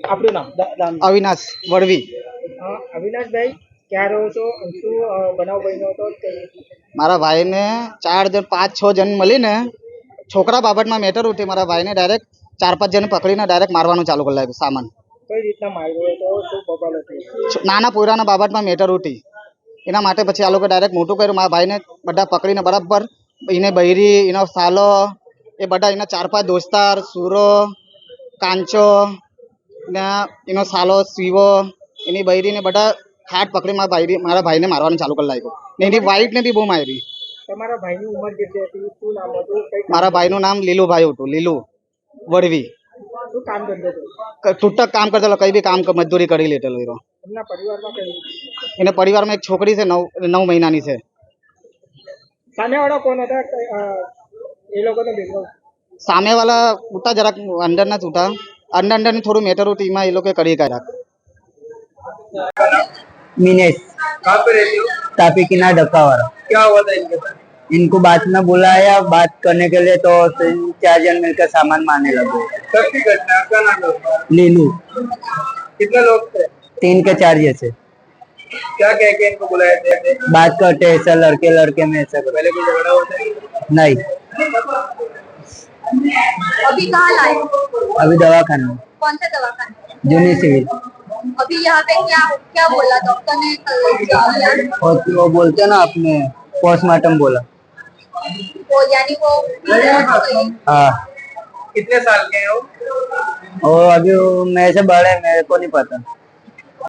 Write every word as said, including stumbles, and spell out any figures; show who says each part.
Speaker 1: આપણું નામ
Speaker 2: અવિનાશ વડવી।
Speaker 1: અવિનાશભાઈ ક્યાં રહો છો? શું બનાવ બન્યો હતો?
Speaker 2: મારા ભાઈને ચાર જણ પાંચ છ જણ મળીને છોકરા બાબતમાં મેટર ઉઠી મારા ભાઈને ડાયરેક્ટ ચાર પાંચ જણ પકડીને ડાયરેક્ટ મારવાનું ચાલુ કરી લાગ્યું સામાન।
Speaker 1: કઈ રીતના માર્યો હતો? શું બબાલ હતી?
Speaker 2: નાના પોયરાના બાબતમાં મેટર ઉઠી એના માટે પછી આ લોકો ડાયરેક્ટ મોટું કર્યું। મારા ભાઈને બધા પકડીને બરાબર એને બૈરી એનો સાલો એ બધા એના ચાર પાંચ દોસ્તાર સુરો કાંચો ને એનો સાલો શિવો એની બૈરીને બધા હાથ પકડી મારા ભાઈ મારા ભાઈને મારવાનું ચાલુ કરી લાગ્યું ને એની વાઈફ ને બી બહુ મારી।
Speaker 1: તમારા ભાઈની ઉંમર કેટલી હતી? શું નામ હતું?
Speaker 2: મારા ભાઈનું નામ લીલુભાઈ હતું, લીલુ વડવી।
Speaker 1: શું કામ કરતો હતો?
Speaker 2: તૂટક કામ કરતો, કઈ બી કામ મજદૂરી કરી લેતો।
Speaker 1: એમના પરિવારમાં કઈ?
Speaker 2: એના પરિવારમાં એક છોકરી છે, નવ નવ મહિનાની છે।
Speaker 1: સામેવાળા કોણ હતા? એ લોકોનો બેકગ્રાઉન્ડ?
Speaker 2: સામેવાળા ઉઠા જરાક અંદરના જ ઉઠા, अंदर अंदर ની થોડું મેટર ઉઠી એમાં એ લોકો કરી કાઢ્યા।
Speaker 3: मिनेश
Speaker 1: कहाँ पे रहते हो?
Speaker 3: तापी किनार डक्कावारा।
Speaker 1: क्या हुआ था इनके साथ?
Speaker 3: इनको बात में बुलाया, बात करने के लिए तो चार जन मिलकर सामान मारने लगे।
Speaker 1: कब की घटना? क्या नाम है?
Speaker 3: लीलू।
Speaker 1: कितने लोग थे?
Speaker 3: तीन के चार जैसे।
Speaker 1: क्या कह के इनको बुलाए थे?
Speaker 3: बात करते ऐसा लड़के लड़के में ऐसा कर।
Speaker 1: पहले कोई झगड़ा होता है?
Speaker 3: नहीं।
Speaker 4: अभी कहाँ लाए?
Speaker 3: अभी दवाखाना में।
Speaker 4: कौन सा दवाखाना?
Speaker 3: जूनी सिविल।
Speaker 4: अभी यहाँ पे क्या क्या बोला डॉक्टर ने?
Speaker 3: और वो बोलते ना आपने पोस्टमार्टम बोला।
Speaker 4: वो यानी वो
Speaker 3: हाँ।
Speaker 1: कितने साल के हो?
Speaker 3: और अभी मेरे से बड़े, मेरे को नहीं पता।